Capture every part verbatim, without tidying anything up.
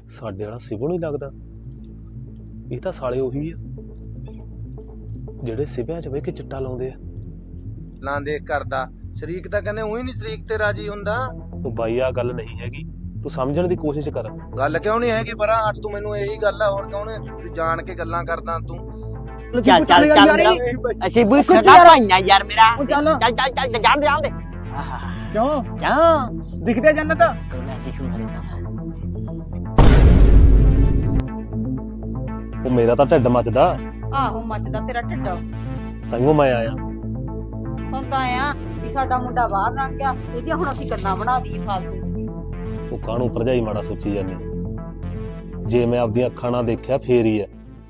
ਸਾਡੇ ਵਾਲਾ ਸਿਵਲ ਨਹੀਂ ਲੱਗਦਾ। ਇਹ ਤਾਂ ਸਾਲੇ ਉਹੀ ਆ ਜਿਹੜੇ ਸਿਵਿਆਂ 'ਚ ਬਹਿ ਕੇ ਚਿੱਟਾ ਲਾਉਂਦੇ ਆ। ਲਾਂ ਦੇਖ ਕਰਦਾ ਸ਼ਰੀਕ ਤਾਂ ਕਹਿੰਦੇ ਉਹੀ ਨਹੀਂ ਸ਼ਰੀਕ ਤੇ ਰਾਜੀ ਹੁੰਦਾ। ਉਹ ਬਾਈ ਆ ਗੱਲ ਨਹੀਂ ਹੈਗੀ, ਤੂੰ ਸਮਝਣ ਦੀ ਕੋਸ਼ਿਸ਼ ਕਰ। ਗੱਲ ਕਿਉਂ ਨਹੀਂ ਹੈਗੀ ਪਰਾਂ ਹੱਟ ਤੂੰ, ਮੈਨੂੰ ਇਹੀ ਗੱਲ ਆ ਹੋਰ ਕਿਉਂ ਨਹੀਂ ਤੂੰ ਜਾਣ ਕੇ ਗੱਲਾਂ ਕਰਦਾ ਤੂੰ। ਚੱਲ ਚੱਲ ਚੱਲ ਮੇਰਾ ਅਸੀਂ ਵੀ ਛੱਡਾ ਭਾਈਆਂ ਯਾਰ ਮੇਰਾ ਚੱਲ ਚੱਲ ਚੱਲ ਜਾਣ ਦੇ ਜਾਣ ਦੇ। ਕਿਉਂ ਕਿਉਂ ਦਿਖਦੇ ਜੰਨਤ? ਉਹ ਮੇਰਾ ਤਾਂ ਢਿੱਡ ਮੱਚਦਾ, ਆਹੋ ਮੱਚਦਾ ਤੇਰਾ ਢਿੱਡ। ਤਾਂਹੀਓ ਮੈਂ ਆਇਆ। ਹੁਣ ਤਾਂ ਆਇਆ ਵੀ ਸਾਡਾ ਮੁੰਡਾ ਬਾਹਰ ਲੰਘ ਗਿਆ, ਇਹਦੀਆਂ ਹੁਣ ਅਸੀਂ ਗੱਲਾਂ ਬਣਾ ਦਈਏ ਫਾਲਤੂ। ਉਹ ਕਾਹਨੂੰ ਭਰਜਾਈ ਮਾੜਾ ਸੋਚੀ ਜਾਂਦੀ, ਜੇ ਮੈਂ ਆਪਦੀਆਂ ਅੱਖਾਂ ਨਾਲ ਦੇਖਿਆ ਫੇਰ ਹੀ ਆ।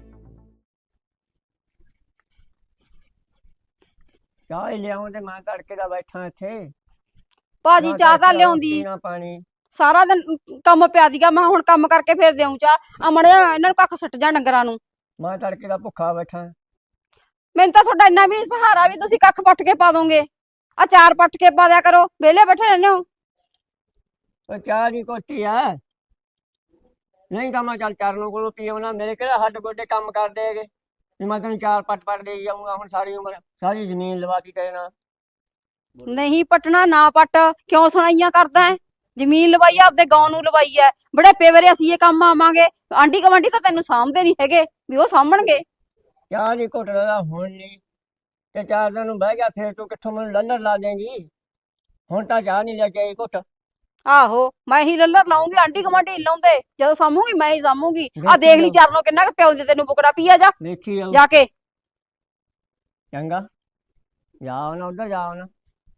ਚਾਹ ਹੀ ਲਿਆਉਂ ਤੇ ਮੈਂ ਤੜਕੇ ਦਾ ਬੈਠਾ ਇੱਥੇ। ਭਾਜੀ ਚਾਹ ਤਾਂ ਲਿਆਉਂਦੀ, ਪੀਣਾ ਪਾਣੀ ਸਾਰਾ ਦਿਨ ਕੰਮ ਪਿਆ ਦੀਗਾ। ਮੈਂ ਹੁਣ ਕੰਮ ਕਰਕੇ ਫੇਰ ਦੇਉਂ ਚਾਹ। ਅਮੜੇ ਇਹਨਾਂ ਨੂੰ ਕੱਖ ਸੁੱਟ ਜਾ ਡੰਗਰਾਂ ਨੂੰ। ਮੈਂ ਤੜਕੇ ਦਾ ਭੁੱਖਾ ਬੈਠਾ। ਮੈਨੂੰ ਤਾਂ ਤੁਹਾਡਾ ਇੰਨਾ ਵੀ ਨਹੀਂ ਸਹਾਰਾ ਵੀ ਤੁਸੀਂ ਕੱਖ ਪੱਟ ਕੇ ਪਾ ਦੋਗੇ। ਆ ਚਾਰ ਪੱਟ ਕੇ ਪਾ ਦਿਆ ਕਰੋ, ਵਿਹਲੇ ਬੈਠੇ ਰਹਿੰਦੇ ਹੋ। ਉਹ ਚਾਹ ਦੀ ਕੋਟੀ ਆ, ਨਹੀਂ ਤਾਂ ਮੈਂ ਚੱਲ ਚਰਨੋਂ ਕੋਲੋਂ ਪੀਉਣਾ। ਮੇਰੇ ਕਿਹੜਾ ਹੱਡ ਗੋਡੇ ਕੰਮ ਕਰਦੇ ਹੈਗੇ ਵੀ ਮੈਂ ਤੈਨੂੰ ਚਾਰ ਪੱਟ ਪੱਟ ਦੇ ਜਾਊਂਗਾ। ਹੁਣ ਸਾਰੀ ਉਮਰ ਸਾਰੀ ਜ਼ਮੀਨ ਲਵਾ ਕੇ ਕਹਿਣਾ ਨਹੀਂ ਪੱਟਣਾ ਨਾ ਪੱਟ, ਕਿਉਂ ਸੁਣਾਈਆਂ ਕਰਦਾ ਹੈ? ਜ਼ਮੀਨ ਲਵਾਈ ਆ, ਆਪਦੇ ਗਾਉਂ ਨੂੰ ਲਵਾਈ ਹੈ। ਬੜੇ ਪੇਵਰੇ ਅਸੀਂ ਇਹ ਕੰਮ ਆਵਾਂਗੇ। ਆਂਢੀ ਗੁਆਂਢੀ ਤਾਂ ਤੈਨੂੰ ਸਾਂਭਦੇ ਨਹੀਂ ਹੈਗੇ ਵੀ ਉਹ ਸਾਂਭਣਗੇ। ਚਾਹ ਦੀ ਘੁੱਟ ਦਾ ਹੁਣ ਨਹੀਂ ਤੇ ਚਾਰ ਦਿਨ ਨੂੰ ਬਹਿ ਗਿਆ ਫੇਰ ਤੂੰ ਕਿੱਥੋਂ ਮੈਨੂੰ ਲੱਲਰ ਲਾ ਦੇਂਗੀ। ਹੁਣ ਤਾਂ ਚਾਹ ਨਹੀਂ ਲੈ ਕੇ ਆਈ ਘੁੱਟ। ਆਹੋ ਮੈਂ ਹੀ ਲੱਲਰ ਲਾਉਂਗੀ, ਆਂਢੀ ਗੁਆਂਢੀ ਲਾਉਂਦੇ। ਜਦੋਂ ਸਾਂਭੂਗੀ ਮੈਂ ਹੀ ਸਾਂਭੂਗੀ। ਆ ਦੇਖ ਲਈ ਚਰਨੋਂ ਕਿੰਨਾ ਕੁ ਪਿਓ ਦੇ ਤੈਨੂੰ ਬੁਕੜਾ ਪੀਆ ਜਾ ਦੇਖੀ ਜਾਊ ਜਾ ਕੇ। ਚੰਗਾ ਜਾਓ ਨਾ ਉਧਰ ਜਾਓ ਨਾ।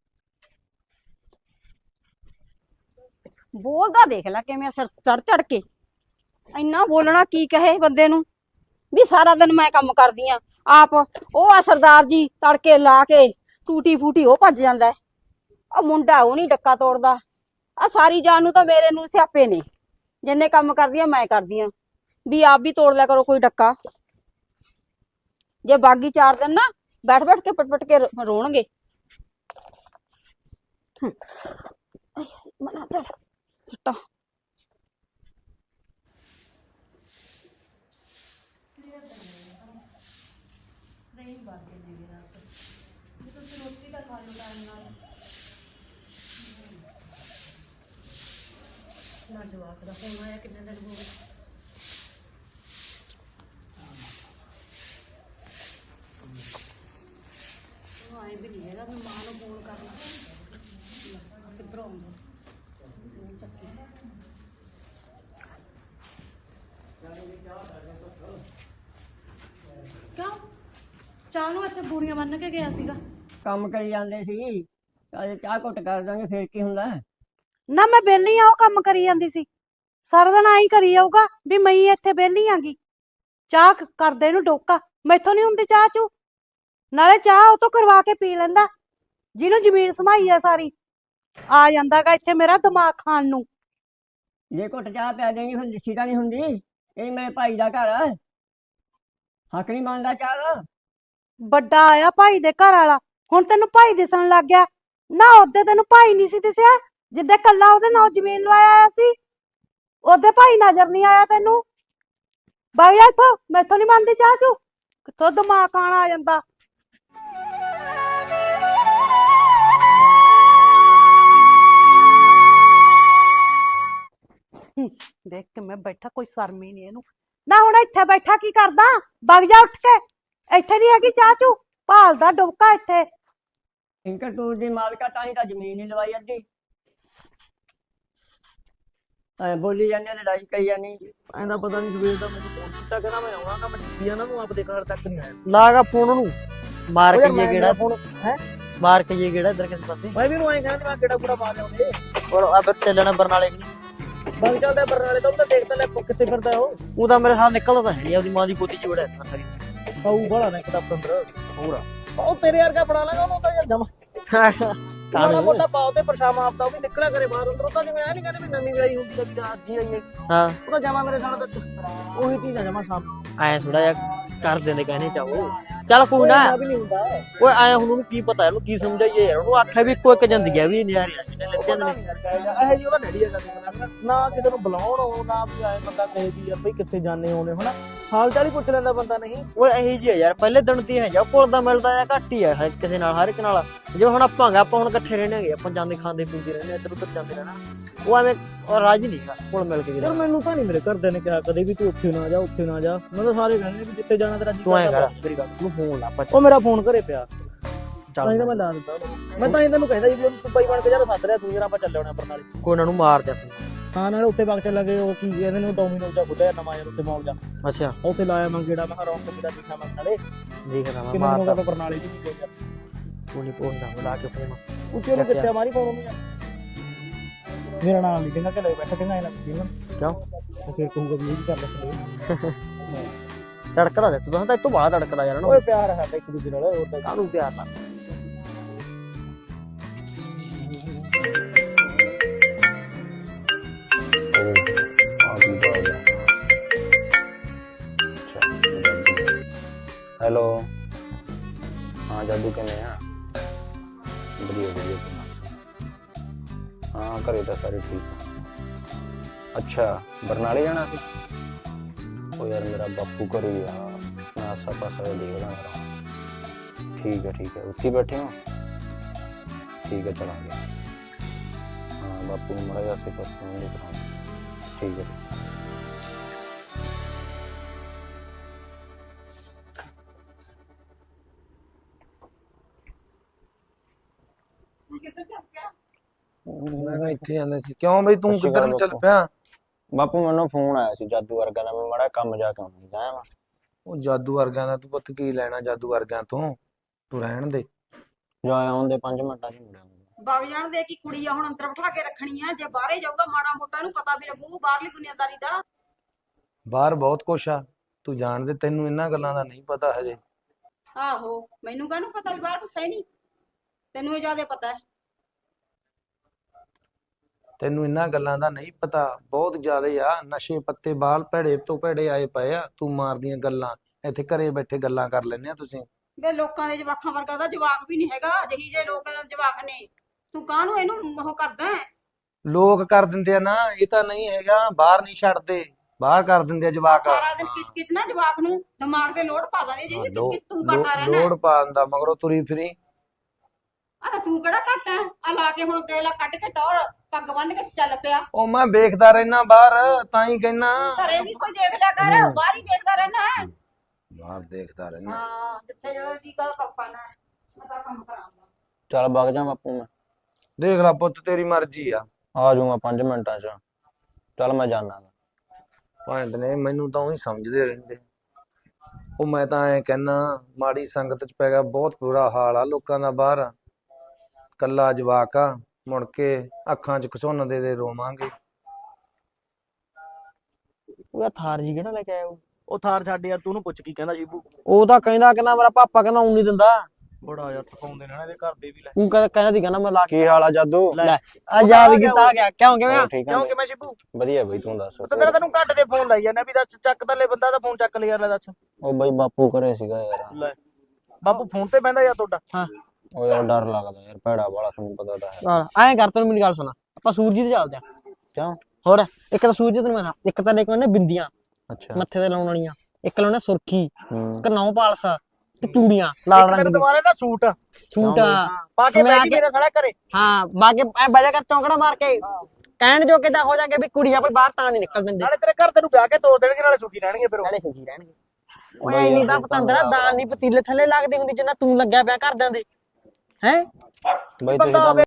ਬੋਲਦਾ ਦੇਖ ਲੈ ਕਿਵੇਂ ਸਿਰ ਚੜ ਚੜ ਕੇ। ਇੰਨਾ ਬੋਲਣਾ ਕੀ ਕਹੇ ਬੰਦੇ ਨੂੰ ਵੀ ਸਾਰਾ ਦਿਨ ਮੈਂ ਕੰਮ ਕਰਦੀ ਆ ਆਪ। ਉਹ ਆ ਸਰਦਾਰ ਜੀ ਤੜਕੇ ਲਾ ਕੇ ਟੂਟੀ ਫੂਟੀ ਉਹ ਭੱਜ ਜਾਂਦਾ। ਆ ਮੁੰਡਾ ਉਹ ਨਹੀਂ ਡੱਕਾ ਤੋੜਦਾ। ਆ ਸਾਰੀ ਜਾਨ ਨੂੰ ਤਾਂ ਮੇਰੇ ਨੂੰ ਸਿਆਪੇ ਨੇ। ਜਿੰਨੇ ਕੰਮ ਕਰਦੀ ਆ ਮੈਂ ਕਰਦੀ ਆ, ਵੀ ਆਪ ਵੀ ਤੋੜ ਲਿਆ ਕਰੋ ਕੋਈ ਡੱਕਾ। ਜੇ ਬਾਗੀ ਚਾਰ ਦਿਨ ਨਾ ਬੈਠ ਬੈਠ ਕੇ ਪਟ ਪਟ ਕੇ ਰੋਣਗੇ। ਮਨਾ ਚੜ ਸਿੱਟਾ ਨਾ ਜਵਾਕ ਦਾ ਫੋਨ ਆਇਆ ਕਿੰਨੇ ਦਿਨ ਹੋ ਗਏ। ਆਏ ਵੀ ਨਹੀਂ ਹੈਗਾ, ਮੈਂ ਮਾਂ ਨੂੰ ਫੋਨ ਕਰਨਾ ਕਿੱਧਰੋਂ ਆਉਂਦਾ। ਕਿਉਂ ਚਾਹ ਨੂੰ ਇੱਥੇ ਬੂਰੀਆਂ ਬੰਨ ਕੇ ਗਿਆ ਸੀਗਾ। ਕੰਮ ਕਰੀ ਜਾਂਦੇ ਸੀ, ਅਜੇ ਚਾਹ ਘੁੱਟ ਕਰ ਦਾਂਗੇ ਫੇਰ ਕੀ ਹੁੰਦਾ। ਨਾ ਮੈਂ ਵਿਹਲੀ ਆ, ਉਹ ਕੰਮ ਕਰੀ ਜਾਂਦੀ ਸੀ। ਸਾਰਾ ਦਿਨ ਆਈ ਕਰੀ ਜਾਊਗਾ ਵੀ ਮੈਂ ਇੱਥੇ ਵਿਹਲੀ ਆਂਗੀ। ਚਾਹ ਕਰਦੇ ਨੂੰ ਡੋਕਾ ਮੈਥੋਂ ਨਹੀਂ ਹੁੰਦੀ ਚਾਹ ਚੂ। ਨਾਲੇ ਚਾਹ ਉਹ ਤੋਂ ਕਰਵਾ ਕੇ ਪੀ ਲੈਂਦਾ ਜਿਹਨੂੰ ਜ਼ਮੀਨ ਸਮਾਈ ਆ ਸਾਰੀ। ਆ ਜਾਂਦਾਗਾ ਇੱਥੇ ਮੇਰਾ ਦਿਮਾਗ ਖਾਣ ਨੂੰ। ਜੇ ਘੁੱਟ ਚਾਹ ਪਿਆ ਦੇਂਗੀ ਫਿਰ ਲਿੱਸੀ ਤਾਂ ਨਹੀਂ ਹੁੰਦੀ। ਇਹ ਮੇਰੇ ਭਾਈ ਦਾ ਘਰ ਆ, ਹੱਕ ਨਹੀਂ ਮੰਨਦਾ ਚਾਹ ਦਾ। ਵੱਡਾ ਆਇਆ ਭਾਈ ਦੇ ਘਰ ਵਾਲਾ, ਹੁਣ ਤੈਨੂੰ ਭਾਈ ਦਿਸਣ ਲੱਗ ਗਿਆ ਨਾ। ਉਹਦੇ ਤੈਨੂੰ ਭਾਈ ਨਹੀਂ ਸੀ ਦਿਸਿਆ ਜਿੱਦੇ ਕੱਲਾ ਉਹਦੇ ਨਾਲ ਜ਼ਮੀਨ ਲਵਾਇਆ ਆਇਆ ਸੀ। ਉਹਦੇ ਭਾਈ ਨਜ਼ਰ ਨਹੀਂ ਆਇਆ ਤੈਨੂੰ। ਬਾਈ ਇੱਥੋਂ ਮੈਥੋਂ ਨਹੀਂ ਮੰਨਦੀ ਚਾਹ ਚੂ। ਕਿੱਥੋਂ ਦਿਮਾਗ ਖਾਣ ਆ ਜਾਂਦਾ। ਦੇਖ ਕੇ ਮੈਂ ਬੈਠਾ, ਕੋਈ ਸ਼ਰਮ ਹੀ ਨਹੀਂ ਇਹਨੂੰ। ਨਾ ਹੁਣ ਇੱਥੇ ਬੈਠਾ ਕੀ ਕਰਦਾ? ਵਗ ਜਾ ਉੱਠ ਕੇ। ਇੱਥੇ ਨਹੀਂ ਹੈਗੀ ਚਾਹ ਚੂ, ਭਾਲਦਾ ਡੁਬਕਾ ਇੱਥੇ। ਇੰਕਰ ਟੂਰ ਦੀ ਮਾਲਕਾ ਤਾਂ ਹੀ ਤਾਂ ਜ਼ਮੀਨ ਹੀ ਲਵਾਈ ਅੱਧੀ। ਐ ਬੋਲੀ ਜਾਂਦੇ ਲੜਾਈ ਕਰੀ ਜਾਨੀ। ਐਂਦਾ ਪਤਾ ਨਹੀਂ ਸਵੇਰ ਦਾ ਮੈਨੂੰ ਫੋਨ ਕੀਤਾ, ਕਹਿੰਦਾ ਮੈਂ ਆਉਣਾਗਾ। ਮੈਂ ਟਿੱਕੀ ਨਾ ਨੂੰ ਆਪਦੇ ਘਰ ਤੱਕ ਨਹੀਂ ਆਇਆ। ਲਾਗਾ ਫੋਨ ਉਹਨੂੰ ਮਾਰ ਕੇ ਜੇ ਗੇੜਾ ਫੋਨ ਹੈ ਮਾਰ ਕੇ ਜੇ ਗੇੜਾ ਇਧਰ ਕਿਸੇ ਪਾਸੇ। ਮੈਂ ਵੀ ਨੂੰ ਐਂ ਕਹਿੰਦਾ ਮੈਂ ਗੇੜਾ ਗੂੜਾ ਪਾ ਲਿਆਉਂਦੇ। ਔਰ ਆ ਫਿਰ ਚੱਲਣਾ ਬਰਨਾਲੇ ਕਿ ਬਗ ਚੱਲਦਾ ਬਰਨਾਲੇ ਤੋਂ। ਤਾਂ ਦੇਖਦਾ ਲੈ ਕਿੱਥੇ ਫਿਰਦਾ ਉਹ। ਉਹ ਤਾਂ ਮੇਰੇ ਸਾਹ ਨਿਕਲਦਾ ਤਾਂ ਹੈ ਨਹੀਂ। ਉਹਦੀ ਮਾਂ ਦੀ ਗੋਦੀ ਚ ਵੜਿਆ ਸਾਰੀ ਖਾਊ ਬੜਾ ਨਾ ਕਿਤਾਬ ਅੰਦਰ ਪੂਰਾ। ਉਹ ਤੇਰੇ ਵਰਗਾ ਬਣਾ ਲਾਂਗਾ ਉਹਨੂੰ ਤਾਂ ਯਾਰ ਜਮਾ। ਕਾਣਾ ਮੋਟਾ ਪਾਉ ਤੇ ਪਰਛਾਵਾਂ ਆਪਦਾ ਉਹ ਵੀ ਨਿਕਲਿਆ ਕਰੇ ਬਾਹਰ ਅੰਦਰ। ਉਹ ਤਾਂ ਜਿਵੇਂ ਆ ਨਹੀਂ ਕਹਿੰਦੇ ਵੀ ਨਵੀਂ ਵਿਆਹੀ ਹੁੰਦੀ ਆ ਵੀ ਅੱਜ ਹੀ ਆਈਏ। ਹਾਂ ਉਹ ਤਾਂ ਜਮਾ ਮੇਰੇ ਸਾਲ ਤੱਕ ਉਹੀ ਚੀਜ਼ ਆ ਜਮਾ ਸਾਫ। ਐ ਥੋੜਾ ਜਿਹਾ ਕਰ ਦਿੰਦੇ ਕਹਿੰਦੇ ਚਾਹੋ। ਚੱਲ ਕੋਈ ਨਾ ਵੀ ਨਹੀਂ ਹੁੰਦਾ ਓਏ ਆਇਆ ਹੁਣ ਉਹਨੂੰ ਕੀ ਪਤਾ ਇਹਨੂੰ ਕੀ ਸਮਝਾਈਏ ਯਾਰ ਉਹਨੂੰ ਆਖਿਆ ਵੀ ਇੱਕੋ ਇੱਕ ਜ਼ਿੰਦਗੀ ਆ ਵੀ ਨਿਆਰੇ ਆ ਜਿਹਨੇ ਲੱਗੇ ਨੇ ਇਹ ਜੀ ਉਹਦਾ ਡੈਡੀ ਹੈਗਾ ਨਾ ਕਿਸੇ ਨੂੰ ਬੁਲਾਉਣ ਉਹ ਨਾ ਵੀ ਆਏ ਬੰਦਾ ਕਹੇ ਵੀ ਯਾਰ ਬਈ ਕਿੱਥੇ ਜਾਣੇ ਹੋਣੇ ਹਨਾ ਹਾਲ ਚਾਲ ਹੀ ਪੁੱਛ ਲੈਂਦਾ ਬੰਦਾ ਨਹੀਂ ਓਏ ਇਹੀ ਜੀ ਯਾਰ ਪਹਿਲੇ ਦਿਨ ਦੀ ਹੈ ਜਾ ਕੋਲ ਦਾ ਮਿਲਦਾ ਜਾਂ ਘੱਟ ਹੀ ਆ ਹਰ ਕਿਸੇ ਨਾਲ ਹਰ ਇੱਕ ਨਾਲ ਜਿਵੇਂ ਹੁਣ ਆਪਾਂ ਗਾ ਆਪਾਂ ਹੁਣ ਇਕੱਠੇ ਰਹਿਣਗੇ ਆਪਾਂ ਜਾਂਦੇ ਖਾਂਦੇ ਪੀਂਦੇ ਰਹਿੰਦੇ ਇੱਧਰ ਉੱਧਰ ਜਾਂਦੇ ਰਹਿਣਾ ਉਹ ਐਵੇਂ ਉਹ ਰਾਜੀ ਨਹੀਂ ਕੋਲ ਮਿਲ ਕੇ ਯਾਰ ਮੈਨੂੰ ਤਾਂ ਨਹੀਂ ਮੇਰੇ ਘਰਦਿਆਂ ਨੇ ਕਿਹਾ ਕਦੇ ਵੀ ਤੂੰ ਉੱਥੇ ਨਾ ਜਾ ਉੱਥੇ ਨਾ ਜਾ ਮੈਂ ਤਾਂ ਸਾਰੇ ਕਹਿੰਦੇ ਵੀ ਜਿੱਥੇ ਜਾਣਾ ਤੇਰਾ ਜੀ ਤੂੰ ਐਂ ਕਰਦਾ ਕਰ ਮੇਰੀ ਗੱਲ ਤੂੰ ਫੋਨ ਲਾ ਉਹ ਮੇਰਾ ਫੋਨ ਘਰੇ ਪਿਆ ਤਾਂ ਚੱਲ ਹੀ ਤਾਂ ਮੈਂ ਲਾ ਦਿੱਤਾ ਮੈਂ ਤਾਂ ਹੀ ਤੈਨੂੰ ਕਹਿੰਦਾ ਜੀ ਤੂੰ ਬਾਈ ਬਣ ਕੇ ਯਾਰ ਸੱਦ ਰਿਹਾ ਤੂੰ ਜਰਾ ਆਪਾਂ ਚੱਲੇ ਹੋਣੇ ਬਰਨਾਲੇ ਕੋਈ ਉਹਨਾਂ ਨੂੰ ਮਾਰ ਦੇ ਹਾਂ ਨਾਲੇ ਉੱਥੇ ਵਗ ਚੱਲਾਂਗੇ ਉਹ ਕੀ ਕਹਿੰਦੇ ਨੇ ਡੋਮੀਨੋਜ਼ ਦਾ ਖੁੱਲਿਆ ਨਵਾਂ ਯਾਰ ਉੱਥੇ ਮੌਲ ਜਾ ਅੱਛਾ ਉੱਥੇ ਲਾਇਆ ਮੈਂ ਗੇੜਾ ਮੈਂ ਰੌਣਕ ਮੇਰਾ ਦੇਖਣਾ ਮੈਂ ਨਾਲੇ ਦੇਖਦਾ ਮੈਂ ਕਿੰਨੇ ਮਾਰਦਾ ਲੋਕਾਂ ਬਰਨਾਲੇ ਦੀ ਵੀ ਗਿਆ ਤੂੰ ਨਹੀਂ ਪਹੁੰਚਦਾ ਬੁਲਾ ਕੇ ਫੋਨ ਉੱਥੇ ਉਹਨੂੰ ਕਿੱਥੇ ਮਾਰੀ ਫੋਨ ਉਹਨੂੰ ਯਾਰ ਮੇਰਾ ਨਾਮ ਨਹੀਂ ਕਹਿੰਦਾ ਕਿ ਲੈ ਬੈਠਾ ਕਹਿੰਦਾ ਇਹਨਾਂ ਕਿਉਂ ਕਿਉਂ ਉਹ ਫਿਰ ਕਹੂਗਾ ਵੀ ਇਹ ਵੀ ਕਰ ਲੈ ਤੜਕਦਾ ਦੇ ਤੂੰ ਤਾਂ ਇੱਥੋਂ ਬਾਹਰ ਤੜਕਦਾ ਯਾਰ ਓਏ ਪਿਆਰ ਹੈ ਸਾਡਾ ਇੱਕ ਦੂਜੇ ਨਾਲ ਹੋਰ ਤਾਂ ਕਾਹਨੂੰ ਪਿਆਰ ਨਾਲ ਹੈਲੋ ਹਾਂ ਜਾਦੂ ਕਿਵੇਂ ਆ ਵਧੀਆ ਵਧੀਆ ਤੂੰ ਦੱਸ ਹਾਂ ਘਰੇ ਤਾਂ ਸਾਰੇ ਠੀਕ ਆ ਅੱਛਾ ਬਰਨਾਲੇ ਜਾਣਾ ਸੀ ਉਹ ਯਾਰ ਮੇਰਾ ਬਾਪੂ ਘਰੇ ਆ ਮੈਂ ਆਸਾ ਪਾਸਾ ਦੇਖਦਾ ਮੇਰਾ ਠੀਕ ਹੈ ਠੀਕ ਹੈ ਉੱਥੇ ਬੈਠੇ ਹੋ ਠੀਕ ਹੈ ਚਲਾਂਗੇ ਹਾਂ ਬਾਪੂ ਨੂੰ ਮੜਾ ਆਸੇ ਪਾਸੇ ਨੂੰ ਦਿਖਾਉਂ ਠੀਕ ਹੈ ਮੈਂ ਇੱਥੇ ਆਂਦਾ ਸੀ ਕਿਉਂ ਬਈ ਤੂੰ ਕਿੱਧਰ ਨੂੰ ਚੱਲ ਪਿਆ ਬਾਪੂ ਮੈਨੂੰ ਫੋਨ ਆਇਆ ਸੀ ਜਾਦੂ ਵਰਗਾ ਦਾ ਮੈਂ ਮੜਾ ਕੰਮ ਜਾ ਕੇ ਆਉਣਾ ਜਾਇਆ ਵਾ ਉਹ ਜਾਦੂ ਵਰਗਿਆਂ ਦਾ ਤੂੰ ਪੁੱਤ ਕੀ ਲੈਣਾ ਜਾਦੂ ਵਰਗਿਆਂ ਤੋਂ ਤੂੰ ਰਹਿਣ ਦੇ ਜਾ ਆਉਂਦੇ ਪੰਜ ਮਿੰਟਾਂ ਚ ਮੁੜਿਆ ਵਗ ਜਾਣ ਦੇ ਕਿ ਕੁੜੀ ਆ ਹੁਣ ਅੰਦਰ ਬਿਠਾ ਕੇ ਰੱਖਣੀ ਆ ਜੇ ਬਾਹਰੇ ਜਾਊਗਾ ਮਾੜਾ ਮੋਟਾ ਨੂੰ ਪਤਾ ਵੀ ਲੱਗੂ ਬਾਹਰਲੀ ਦੁਨੀਆਦਾਰੀ ਦਾ ਬਾਹਰ ਬਹੁਤ ਕੁਛ ਆ ਤੂੰ ਜਾਣਦੇ ਤੈਨੂੰ ਇਹਨਾਂ ਗੱਲਾਂ ਦਾ ਨਹੀਂ ਪਤਾ ਹਜੇ ਆਹੋ ਮੈਨੂੰ ਕਾਹਨੂੰ ਪਤਾ ਵੀ ਬਾਹਰ ਕੁਛ ਹੈ ਨਹੀਂ ਤੈਨੂੰ ਇਹ ਜ਼ਿਆਦਾ ਪਤਾ ਹੈ ਤੈਨੂੰ ਇਹਨਾਂ ਗੱਲਾਂ ਦਾ ਨਹੀਂ ਪਤਾ ਬਹੁਤ ਜ਼ਿਆਦੇ ਆ ਨਸ਼ੇ ਪੱਤੇ ਬਾਲ ਭੈੜੇ ਤੋਂ ਭੈੜੇ ਆਏ ਪਏ ਆ ਤੂੰ ਮਾਰਦੀਆਂ ਗੱਲਾਂ ਇੱਥੇ ਘਰੇ ਬੈਠੇ ਗੱਲਾਂ ਕਰ ਲੈਂਦੇ ਆ ਤੁਸੀਂ ਵੇ ਲੋਕਾਂ ਦੇ ਜਵਾਕਾਂ ਵਰਗਾ ਦਾ ਜਵਾਕ ਵੀ ਨਹੀਂ ਹੈਗਾ ਜਿਹੀ ਜੇ ਲੋਕ ਜਵਾਕ ਨੇ ਤੂੰ ਕਾਹਨੂੰ ਇਹਨੂੰ ਉਹ ਕਰਦਾ ਲੋਕ ਕਰ ਦਿੰਦੇ ਆ ਨਾ ਇਹ ਤਾਂ ਨਹੀਂ ਹੈਗਾ ਬਾਹਰ ਨਹੀਂ ਛੱਡਦੇ ਬਾਹਰ ਕਰ ਦਿੰਦੇ ਆ ਜਵਾਕ ਸਾਰਾ ਦਿਨ ਕਿਚ ਕਿਚ ਨਾ ਜਵਾਕ ਨੂੰ ਦਿਮਾਗ ਤੇ ਲੋਡ ਪਾ ਦਿੰਦੇ ਜਿਹੀ ਕਿਚ ਕਿਚ ਤੂੰ ਕਰਦਾ ਰਹਿਣਾ ਲੋੜ ਪਾਉਣ ਦਾ ਮਗਰੋਂ ਤੁਰੀ ਫਿਰੀ ਆ ਤੂੰ ਕਿਹੜਾ ਘੱਟ ਹੈ ਆ ਲਾ ਕੇ ਹੁਣ ਗੇਲਾ ਕੱਢ ਕੇ ਟੌਰ ਪੱਗ ਬੰਨ ਕੇ ਚੱਲ ਪਿਆ ਉਹ ਮੈਂ ਵੇਖਦਾ ਰਹਿਣਾ ਬਾਹਰ ਤਾਂ ਹੀ ਕਹਿਣਾ ਘਰੇ ਵੀ ਕੋਈ ਦੇਖ ਲਿਆ ਕਰ ਬਾਹਰ ਹੀ ਦੇਖਦਾ ਰਹਿਣਾ ਬਾਹਰ ਦੇਖਦਾ ਰਹਿਣਾ ਹਾਂ ਜਿੱਥੇ ਜੋ ਜੀ ਗੱਲ ਕਰਪਾਣਾ ਮੈਂ ਤਾਂ ਕੰਮ ਕਰਾਂਗਾ ਚੱਲ ਵਗ ਜਾ ਬਾਪੂ ਮੈਂ ਦੇਖ ਲੈ ਪੁੱਤ ਤੇਰੀ ਮਰਜ਼ੀ ਆ ਆ ਜਾਊਂਗਾ ਪੰਜ ਮਿੰਟਾਂ ਚ ਚੱਲ ਮੈਂ ਜਾਣਾ ਪੁਆਇੰਟ ਨੇ ਮੈਨੂੰ ਤਾਂ ਉਹੀ ਸਮਝਦੇ ਰਹਿੰਦੇ ਉਹ ਮੈਂ ਤਾਂ ਐ ਕਹਿਣਾ ਮਾੜੀ ਸੰਗਤ ਚ ਪੈ ਗਿਆ ਬਹੁਤ ਬੁਰਾ ਹਾਲ ਆ ਲੋਕਾਂ ਦਾ ਬਾਹਰ ਕੱਲਾ ਜਵਾਕ ਆ ਮੁੜ ਕੇ ਅੱਖਾਂ ਚ ਘਸੁੰਨ ਦੇ ਦੇ ਰੋਵਾਂਗੇ ਉਹ ਥਾਰ ਜੀ ਕਿਹੜਾ ਲੈ ਕੇ ਆਇਆ ਉਹ ਉਹ ਥਾਰ ਛੱਡ ਯਾਰ ਤੂੰ ਉਹਨੂੰ ਪੁੱਛ ਕੀ ਕਹਿੰਦਾ ਜੀਬੂ ਉਹ ਤਾਂ ਕਹਿੰਦਾ ਕਹਿੰਦਾ ਮੇਰਾ ਪਾਪਾ ਕਹਿੰਦਾ ਉਂ ਨਹੀਂ ਦਿੰਦਾ ਬੜਾ ਯਾਰ ਥਕਾਉਂਦੇ ਨੇ ਨਾ ਇਹਦੇ ਘਰ ਦੇ ਵੀ ਲੈ ਤੂੰ ਕਹਿੰਦਾ ਦੀ ਕਹਿੰਦਾ ਮੈਂ ਲਾ ਕੀ ਹਾਲ ਆ ਜਾਦੂ ਲੈ ਆ ਯਾਦ ਕੀਤਾ ਗਿਆ ਕਿਉਂ ਕਿਵੇਂ ਠੀਕ ਕਿਉਂ ਕਿ ਮੈਂ ਸ਼ਿਬੂ ਵਧੀਆ ਬਈ ਤੂੰ ਦੱਸ ਤਾਂ ਤੇਰਾ ਤੈਨੂੰ ਘੱਟ ਦੇ ਫੋਨ ਲਾਈ ਜਾਂਦਾ ਵੀ ਦੱਸ ਚੱਕ ਤਲੇ ਬੰਦਾ ਦਾ ਫੋਨ ਚੱਕ ਲਿਆ ਯਾਰ ਲੈ ਦੱਸ ਉਹ ਬਈ ਬਾਪੂ ਘਰੇ ਸੀਗਾ ਯਾਰ ਲੈ ਬਾਪੂ ਫੋਨ ਤੇ ਬਹਿੰਦਾ ਯਾਰ ਤੁਹਾਡਾ ਹਾਂ ਉਹ ਯਾਰ ਡਰ ਲੱਗਦਾ ਯਾਰ ਭੈੜਾ ਵਾਲਾ ਤੁਹਾਨੂੰ ਪਤਾ ਤਾਂ ਹੈ ਐਂ ਕਰ ਤੈਨੂੰ ਮੇਰੀ ਗੱਲ ਸੁਣਾ ਆਪਾਂ ਸੂਰਜੀ ਤੇ ਚੱਲਦੇ ਆ ਕਿਉਂ ਹੋਰ ਇੱਕ ਤਾਂ ਸੂਰਜੀ ਤੈਨੂੰ ਮੈਂ ਇੱਕ ਤਾਂ ਲੈ ਕੇ ਆਉਣੇ ਬਿੰਦੀਆਂ ਅੱਛਾ ਮੱਥੇ ਤੇ ਲਾਉਣ ਵਾਲੀਆਂ ਇੱਕ ਲਾਉਣਾ ਸੁਰਖੀ ਹੂੰ ਇੱਕ ਨੌ ਪਾਲਸਾ ਤੇ ਚੂੜੀਆਂ ਲਾਲ ਰੰਗ ਦੀਆਂ ਦੁਬਾਰਾ ਨਾ ਸੂਟ ਸੂਟ ਪਾ ਕੇ ਬੈਠ ਕੇ ਸਾਡਾ ਘਰੇ ਹਾਂ ਬਾਕੀ ਐ ਬਜਾ ਕਰ ਚੌਂਕੜਾ ਮਾਰ ਕੇ ਕਹਿਣ ਜੋ ਕਿਦਾਂ ਹੋ ਜਾਗੇ ਵੀ ਕੁੜੀਆਂ ਕੋਈ ਬਾਹਰ ਤਾਂ ਨਹੀਂ ਨਿਕਲ ਦਿੰਦੇ ਨਾਲੇ ਤੇਰੇ ਘਰ ਤੈਨੂੰ ਵਿਆਹ ਕੇ ਤੋੜ ਦੇਣਗੇ ਨਾਲੇ ਸੁਖੀ ਰਹਿਣਗੇ ਫਿਰ ਉਹ ਨਾਲੇ ਸੁਖੀ ਰਹਿਣਗੇ ਓਏ ਇੰਨੀ ਤਾਂ ਪਤੰਦਰਾ ਦਾਲ ਨਹੀਂ ਪਤੀਲੇ ਥੱਲੇ ਲੱਗਦੀ ਹੁੰਦੀ ਜਿੰਨਾ ਤੂੰ ਲੱਗਿਆ ਪਿਆ ਕਰਦਿਆਂ ਦੇ ਹੈ ਬਈ ਤੁਸੀਂ ਤਾਂ